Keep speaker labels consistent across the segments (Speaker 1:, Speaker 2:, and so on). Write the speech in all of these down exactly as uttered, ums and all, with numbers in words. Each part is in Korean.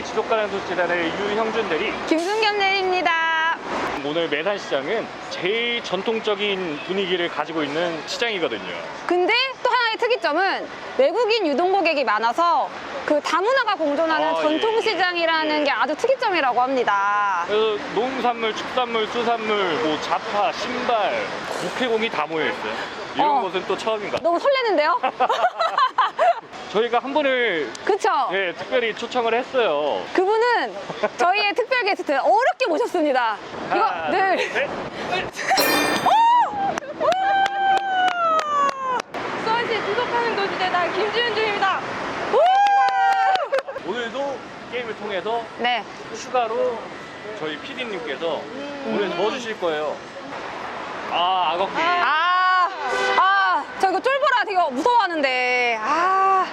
Speaker 1: 케이 지속가능도시재단의 유형준 대리,
Speaker 2: 김순겸 대리입니다.
Speaker 1: 오늘 매산시장은 제일 전통적인 분위기를 가지고 있는 시장이거든요.
Speaker 2: 근데 또 하나의 특이점은 외국인 유동고객이 많아서 그 다문화가 공존하는
Speaker 1: 아,
Speaker 2: 전통시장이라는
Speaker 1: 예, 예.
Speaker 2: 게 아주 특이점이라고 합니다.
Speaker 1: 그래서 농산물, 축산물, 수산물, 뭐 자파, 신발, 육해공이 다 모여 있어요. 이런
Speaker 2: 어.
Speaker 1: 곳은 또 처음인 것 같아요.
Speaker 2: 너무 설레는데요?
Speaker 1: 저희가 한 분을
Speaker 2: 그쵸?
Speaker 1: 예, 특별히 초청을 했어요.
Speaker 2: 그분은 저희의 특별 게스트 어렵게 모셨습니다. 이거
Speaker 1: 하나,
Speaker 2: 늘
Speaker 1: 둘, 셋.
Speaker 3: 수원시 지속하는 도시재단 김지윤주입니다.
Speaker 1: 오늘도 게임을 통해서
Speaker 2: 네.
Speaker 1: 추가로 저희 피디님께서 오늘 뭐 주실 거예요? 아, 악어 게임.
Speaker 2: 아, 아, 저 이거 쫄보라 되게 무서워하는데. 아.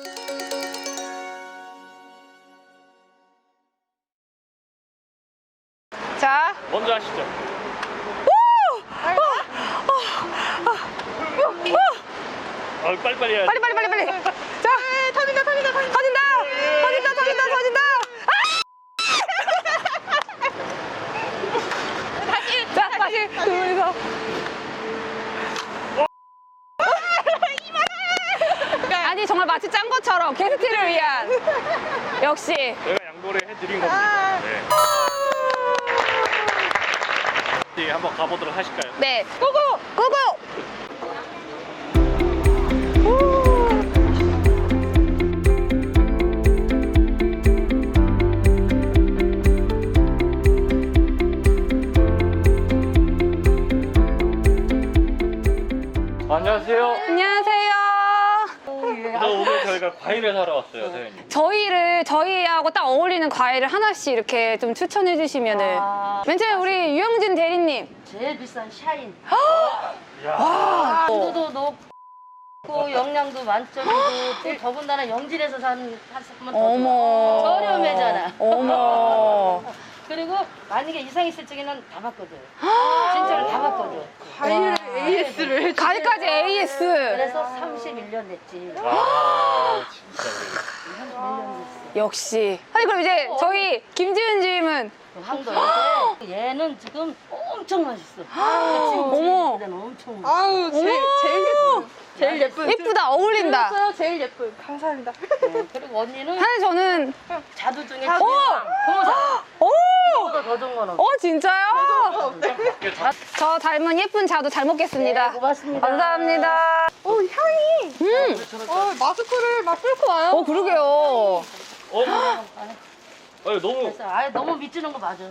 Speaker 2: 자,
Speaker 1: 먼저 하시죠. 아, 빨리빨리 해야지.
Speaker 2: 빨리 빨리 빨리 빨리. 자, 터진다 터진다 터진다 터진다 터진다 터진다 터진다. 아! 다시 자 다시 두 분이서. 아니 정말 마치 짠 것처럼 게스트를 위한 역시.
Speaker 1: 제가 양보를 해드린 겁니다. 네. 네, 한번 가보도록 하실까요?
Speaker 2: 네, 고고 고고.
Speaker 1: 안녕하세요.
Speaker 2: 안녕하세요.
Speaker 1: 그래서 오늘 저희가 과일을 사러 왔어요, 선생님.
Speaker 2: 저희를 저희하고 딱 어울리는 과일을 하나씩 이렇게 좀 추천해 주시면은.
Speaker 3: 아.
Speaker 2: 맨 처음에 우리 유영진 대리님.
Speaker 3: 제일 비싼 샤인.
Speaker 1: 야,
Speaker 3: 당도도 높고 영양도 만점이고 또 더군다나 영진에서 산 샀으면 더
Speaker 2: 어머.
Speaker 3: 좋아. 저렴해잖아.
Speaker 2: 어머.
Speaker 3: 그리고 만약에 이상 있을 적에는 다 받거든. 진짜로 다 받거든.
Speaker 2: 과일
Speaker 3: 에이에스를
Speaker 2: 과일까지 에이에스.
Speaker 3: 그래서 삼십일 년 됐지.
Speaker 1: 와, 진짜.
Speaker 3: 삼십일 년 됐어.
Speaker 2: 역시. 아니 그럼 이제 저희 김지은 주임은
Speaker 3: 그 황도인데 얘는 지금 엄청 맛있어. 지금
Speaker 2: 어머.
Speaker 3: 얘는 엄청 맛있어.
Speaker 4: 아우 제일 제일 예쁜 제일 예쁜
Speaker 2: 예쁘다 어울린다.
Speaker 4: 들었어요? 제일 예쁜 감사합니다.
Speaker 3: 네, 그리고 언니는
Speaker 2: 사실 저는
Speaker 3: 자두 중에
Speaker 2: 오!
Speaker 3: 고모사.
Speaker 2: 오.
Speaker 3: 이거보다 더 좋은 건 없어.
Speaker 2: 어 진짜요?
Speaker 1: 이게 다
Speaker 2: 저 닮은 예쁜 자두 잘 먹겠습니다.
Speaker 3: 네, 고맙습니다.
Speaker 2: 감사합니다.
Speaker 4: 어 향이
Speaker 2: 음.
Speaker 4: 어 마스크를 막 뚫고 와요.
Speaker 2: 어 그러게요.
Speaker 1: 어? 아니, 너무.
Speaker 3: 그래서 아예 너무 미치는 거 맞아.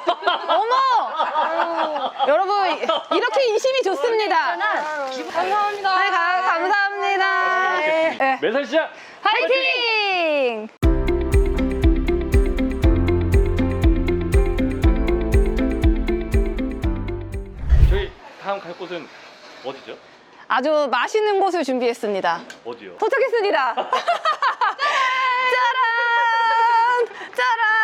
Speaker 2: 어머. 여러분 이렇게 인심이 좋습니다.
Speaker 3: 하나
Speaker 4: 감사합니다.
Speaker 2: 네, 가, 감사합니다. 네.
Speaker 1: 매산시장
Speaker 2: 화이팅!
Speaker 1: 저희 다음 갈 곳은 어디죠?
Speaker 2: 아주 맛있는 곳을 준비했습니다.
Speaker 1: 어디요?
Speaker 2: 도착했습니다. 짜란! 짜란!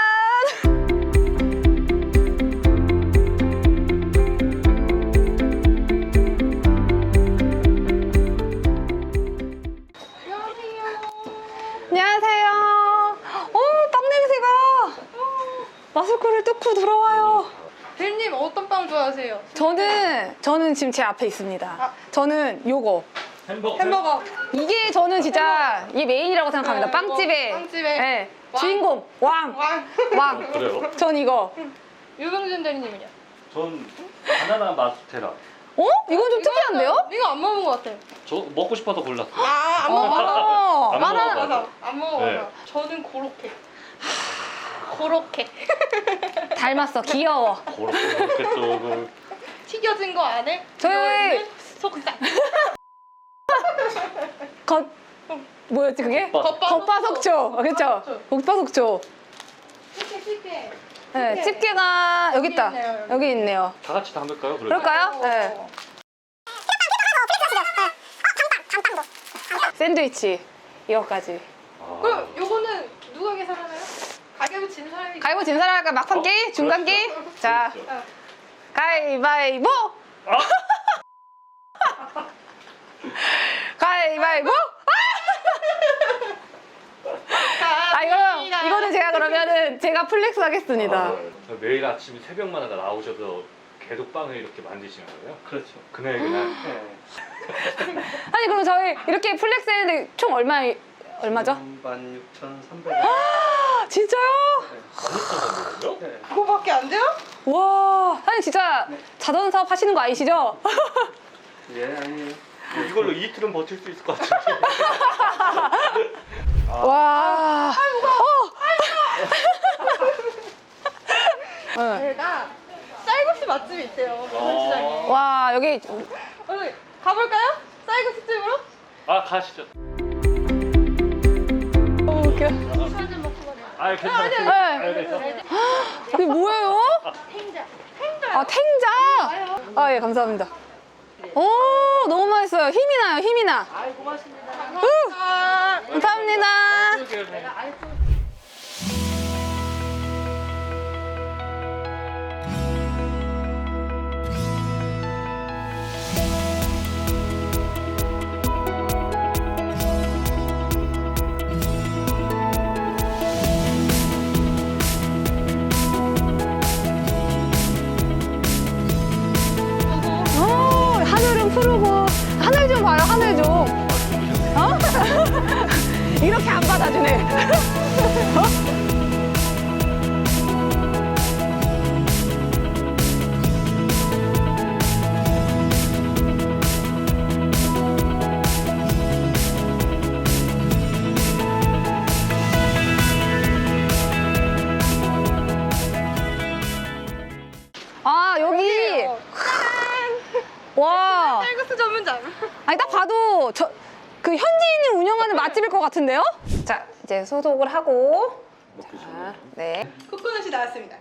Speaker 2: 안녕하세요. 오, 빵 냄새가 마스크를 뜯고 들어와요.
Speaker 4: 대리님 어떤 빵 좋아하세요?
Speaker 2: 저는 저는 지금 제 앞에 있습니다. 저는 요거.
Speaker 1: 햄버거.
Speaker 4: 햄버거.
Speaker 2: 이게 저는 진짜 이게 메인이라고 생각합니다.
Speaker 4: 네,
Speaker 2: 빵집의
Speaker 4: 이거 빵집의
Speaker 2: 네,
Speaker 4: 왕.
Speaker 2: 주인공 왕.
Speaker 4: 왕.
Speaker 2: 왕.
Speaker 1: 그래요?
Speaker 2: 전 이거.
Speaker 4: 유병준 대리님은요?
Speaker 1: 전 바나나 마스테라.
Speaker 2: 어? 이건 좀 특이한데요?
Speaker 4: 이거 안 먹은 것 같아요.
Speaker 1: 저 먹고 싶어서 골랐어요.
Speaker 4: 아안
Speaker 2: 어,
Speaker 4: 먹어.
Speaker 1: 안
Speaker 2: 바나나.
Speaker 1: 먹어봐서.
Speaker 4: 맞아. 안 먹어.
Speaker 1: 네.
Speaker 4: 맞아. 저는 고로케. 고로케.
Speaker 2: 닮았어. 귀여워.
Speaker 1: 그렇게 그렇게 조금.
Speaker 4: 튀겨진 거 안에
Speaker 2: 저희-
Speaker 4: 들어있는 속살.
Speaker 2: 겉 뭐였지 그게?
Speaker 1: 겉바-
Speaker 2: 겉바속촉. 그렇죠. 겉바속촉.
Speaker 4: 쉽게 쉽게.
Speaker 2: 네, 집게가 여기 있다.
Speaker 4: 있네요, 여기.
Speaker 2: 여기 있네요.
Speaker 1: 다 같이 담을까요? 그러면?
Speaker 2: 그럴까요? 네. 샌드위치 이거까지.
Speaker 1: 아,
Speaker 4: 그럼 요거는 누가 계산하나요? 가격을 진 사람이.
Speaker 2: 가위바위보 진 사람 할까? 막판
Speaker 1: 어?
Speaker 2: 게임? 중간
Speaker 1: 그렇죠.
Speaker 2: 게임? 자,
Speaker 1: 그렇죠.
Speaker 2: 가위바위보!
Speaker 1: 아!
Speaker 2: 가위바위보! 아, 이거, 이거는 제가 그러면은 제가 플렉스 하겠습니다.
Speaker 1: 아, 매일 아침 새벽마다 나오셔서 계속 빵을 이렇게 만드시는 거예요?
Speaker 5: 그렇죠.
Speaker 1: 그날 그날.
Speaker 5: 네.
Speaker 2: 아니 그럼 저희 이렇게 플렉스 했는데 총 얼마 얼마죠?
Speaker 5: 만 육천삼백
Speaker 2: 아, 진짜요?
Speaker 1: 만육천
Speaker 5: 네.
Speaker 4: 그거밖에 안 돼요?
Speaker 2: 와, 사장님 진짜 자전 사업 하시는 거 아니시죠?
Speaker 5: 예, 아니에요.
Speaker 1: 이걸로 이틀은 버틸 수 있을 것 같은데.
Speaker 2: 와. 어.
Speaker 4: 제가 쌀국수 맛집이 있대요. 부산시장에.
Speaker 2: 와, 여기
Speaker 4: 오늘 가볼까요? 쌀국수 집으로?
Speaker 1: 아 가시죠.
Speaker 2: 너무 웃겨.
Speaker 3: 술한잔 먹고 가자.
Speaker 1: 아 괜찮아요.
Speaker 2: 네.
Speaker 1: 아, 괜찮아요.
Speaker 2: 이게 뭐예요?
Speaker 3: 탱자.
Speaker 2: 아, 탱자. 아, 예, 감사합니다. 오, 너무 맛있어요. 힘이 나요, 힘이 나.
Speaker 3: 아이 고맙습니다.
Speaker 2: 우! 감사합니다.
Speaker 3: 아이 또
Speaker 2: 오, 하늘은 푸르고. 하늘 좀 봐요, 하늘 좀. 어? 이렇게 안 받아주네. 어? 아, 여기. 와.
Speaker 4: 쌀국수 전문점.
Speaker 2: 아니 딱 봐도 저 그 현지인이 운영하는 맛집일 것 같은데요? 자 이제 소독을 하고 자, 네.
Speaker 4: 코코넛이 나왔습니다.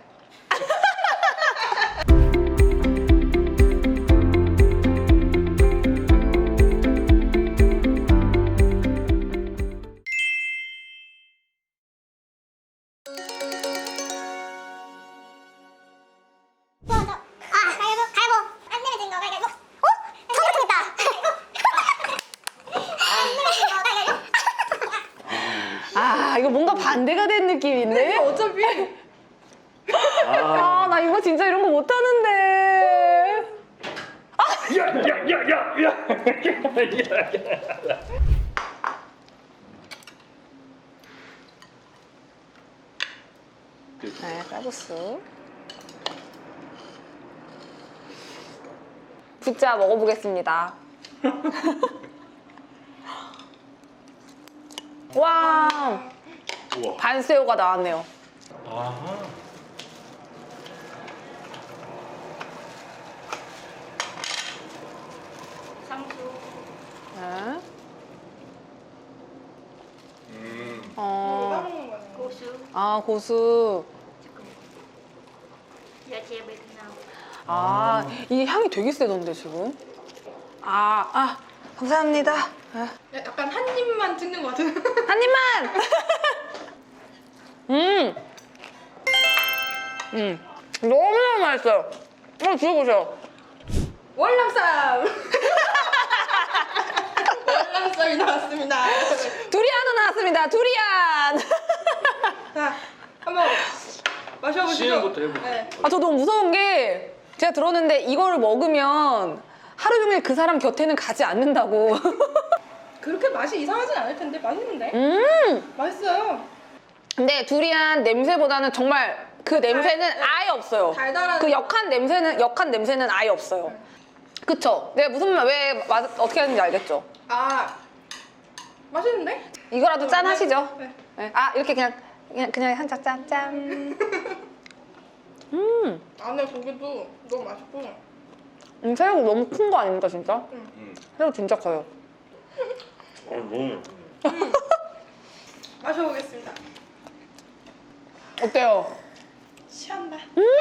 Speaker 6: 아, 가위바위보, 가위바위보. 안 내면 된거 가위바위보. 어? 저거 좋겠다. 안 내면 된거 가위바위보.
Speaker 2: 아 이거 뭔가 반대가 된 느낌인데?
Speaker 4: 어차피
Speaker 2: 아 나 이거 진짜 이런 거 못하는데.
Speaker 1: 야야야야야.
Speaker 2: 네, 쌀국수. 부자 먹어보겠습니다. 와,
Speaker 1: 우와.
Speaker 2: 반새우가 나왔네요.
Speaker 1: 아하.
Speaker 3: 상추.
Speaker 2: 네.
Speaker 1: 음.
Speaker 2: 어,
Speaker 4: 먹는 거네.
Speaker 3: 고수.
Speaker 2: 아 고수.
Speaker 3: 야채 베트남.
Speaker 2: 아, 이 향이 되게 세던데 지금. 아, 아, 감사합니다. 아,
Speaker 4: 약간 한 입만 찍는 것 같은.
Speaker 2: 한 입만. 음, 음, 너무너무 맛있어요. 한번 드셔보세요.
Speaker 4: 월남쌈. 월남쌈이 나왔습니다.
Speaker 2: 두리안도 나왔습니다. 두리안.
Speaker 4: 자, 한번 마셔보시죠.
Speaker 1: 시음부터 해볼게요.
Speaker 4: 네.
Speaker 2: 아, 저 너무 무서운 게 제가 들었는데 이거를 먹으면 하루 종일 그 사람 곁에는 가지 않는다고.
Speaker 4: 그렇게 맛이 이상하진 않을 텐데 맛있는데?
Speaker 2: 음,
Speaker 4: 맛있어요.
Speaker 2: 근데 두리안 냄새보다는 정말 그 냄새는
Speaker 4: 달-
Speaker 2: 아예 없어요.
Speaker 4: 달달한
Speaker 2: 그 역한 냄새는 역한 냄새는 아예 없어요. 그쵸? 내가 무슨 말, 왜 맛, 어떻게 하는지 알겠죠?
Speaker 4: 아 맛있는데?
Speaker 2: 이거라도 짠 하시죠.
Speaker 4: 네.
Speaker 2: 네. 아 이렇게 그냥 그냥 그냥 한 잔 짠 짠. 음,
Speaker 4: 안에 고기도 너무 맛있고.
Speaker 2: 음 새우가 너무 큰 거 아닙니까 진짜?
Speaker 1: 음.
Speaker 2: 새우 진짜 커요.
Speaker 1: 어, 너무.
Speaker 4: 마셔보겠습니다.
Speaker 2: 어때요?
Speaker 4: 취한다.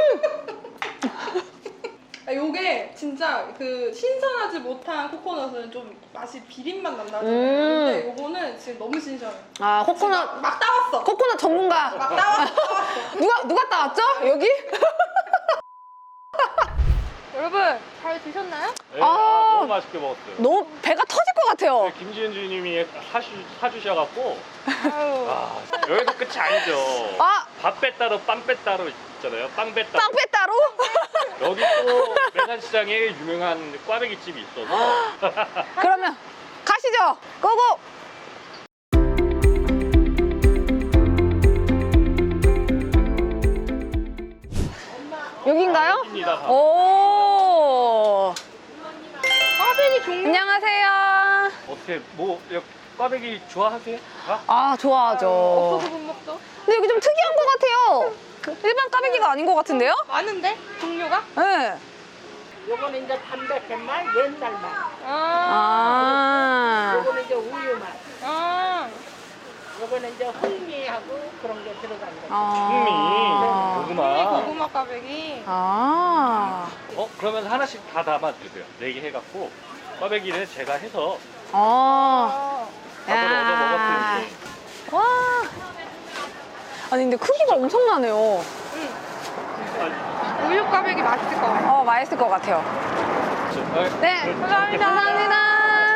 Speaker 4: 아, 요게 진짜 그 신선하지 못한 코코넛은 좀 맛이 비린맛 난다잖아요.
Speaker 2: 음.
Speaker 4: 근데 요거는 지금 너무 신선해.
Speaker 2: 아
Speaker 4: 막,
Speaker 2: 코코넛
Speaker 4: 막 따왔어.
Speaker 2: 코코넛 전문가.
Speaker 4: 막 따왔어. 따왔어.
Speaker 2: 누가 누가 따왔죠? 여기?
Speaker 4: 여러분 잘 드셨나요?
Speaker 1: 네,
Speaker 2: 아.
Speaker 1: 아, 너무 맛있게 먹었어요.
Speaker 2: 너무 배가 터질 것 같아요.
Speaker 1: 김지은 주님이 사주, 사주셔갖고
Speaker 4: 아유.
Speaker 1: 아, 여기서 끝이 아니죠.
Speaker 2: 아
Speaker 1: 밥배 따로 빵배 따로 있잖아요. 빵배 따로.
Speaker 2: 빵빼 따로?
Speaker 1: 여기 또 매산시장에 유명한 꽈배기 집이 있어서
Speaker 2: 그러면 가시죠. 고고. 여긴가요?
Speaker 1: 여기입니다.
Speaker 2: 오.
Speaker 4: 꽈배기 종류
Speaker 2: 안녕하세요.
Speaker 1: 어떻게 뭐 여기 꽈배기 좋아하세요? 아?
Speaker 2: 아, 좋아하죠.
Speaker 4: 없어서 못 먹죠.
Speaker 2: 근데 여기 좀 특이한 것 같아요. 일반 꽈배기가 아닌 것 같은데요?
Speaker 4: 많은데 종류가?
Speaker 2: 네.
Speaker 7: 요거는 이제 담백한 맛, 옛날 맛.
Speaker 4: 아.
Speaker 2: 아.
Speaker 7: 요거는 이제 우유 맛.
Speaker 4: 아.
Speaker 7: 요거는 이제 흑미하고 그런 게 들어간 거.
Speaker 2: 아.
Speaker 1: 흥미, 고구마.
Speaker 4: 고구마 꽈배기.
Speaker 2: 아.
Speaker 1: 어 그러면 하나씩 다 담아주세요. 네 개 해갖고 꽈배기는 제가 해서
Speaker 2: 아.
Speaker 1: 밥을 얻어 먹었으니.
Speaker 2: 와. 아니 근데 크기가 엄청나네요.
Speaker 4: 우유 꽈배기 맛있을 것 같아.
Speaker 2: 어, 맛있을 것 같아요. 네, 감사합니다. 감사합니다.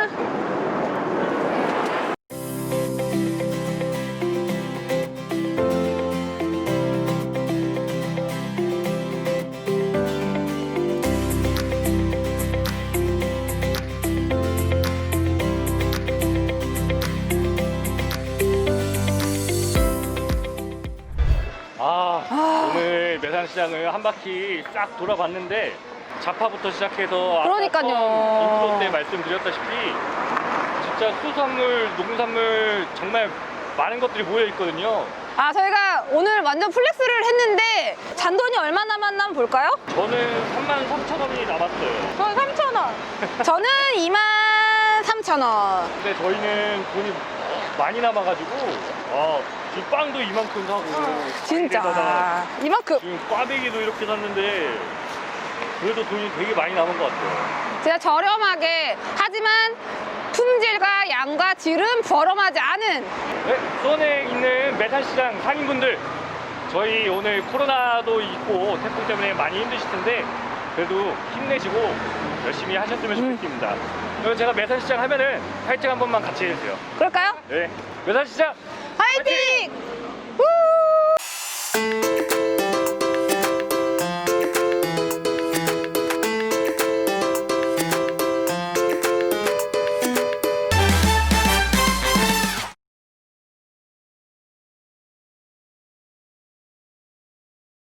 Speaker 1: 아, 오늘 매산시장을 한 바퀴 싹 돌아봤는데 자파부터 시작해서
Speaker 2: 그러니까요.
Speaker 1: 아까 인트로 때 말씀드렸다시피 진짜 수산물, 농산물 정말 많은 것들이 모여 있거든요.
Speaker 2: 아, 저희가 오늘 완전 플렉스를 했는데 잔돈이 얼마 남았나 한번 볼까요?
Speaker 1: 저는 삼만 삼천 원이 남았어요.
Speaker 4: 저는 삼천 원.
Speaker 2: 저는 이만 삼천 원.
Speaker 1: 근데 저희는 돈이 많이 남아가지고 아, 지금 빵도 이만큼 사고
Speaker 2: 어, 진짜.
Speaker 1: 빵에다가
Speaker 2: 이만큼.
Speaker 1: 지금 꽈배기도 이렇게 샀는데 그래도 돈이 되게 많이 남은 것 같아요.
Speaker 2: 진짜 저렴하게 하지만 품질과 양과 질은 버럼하지 않은
Speaker 1: 네, 수원에 있는 매산시장 상인분들 저희 오늘 코로나도 있고 태풍 때문에 많이 힘드실 텐데 그래도 힘내시고 열심히 하셨으면 좋겠습니다. 그럼 제가 매산시장 하면은 화이팅 한 번만 같이 해주세요.
Speaker 2: 그럴까요?
Speaker 1: 네, 매산시장
Speaker 2: 화이팅!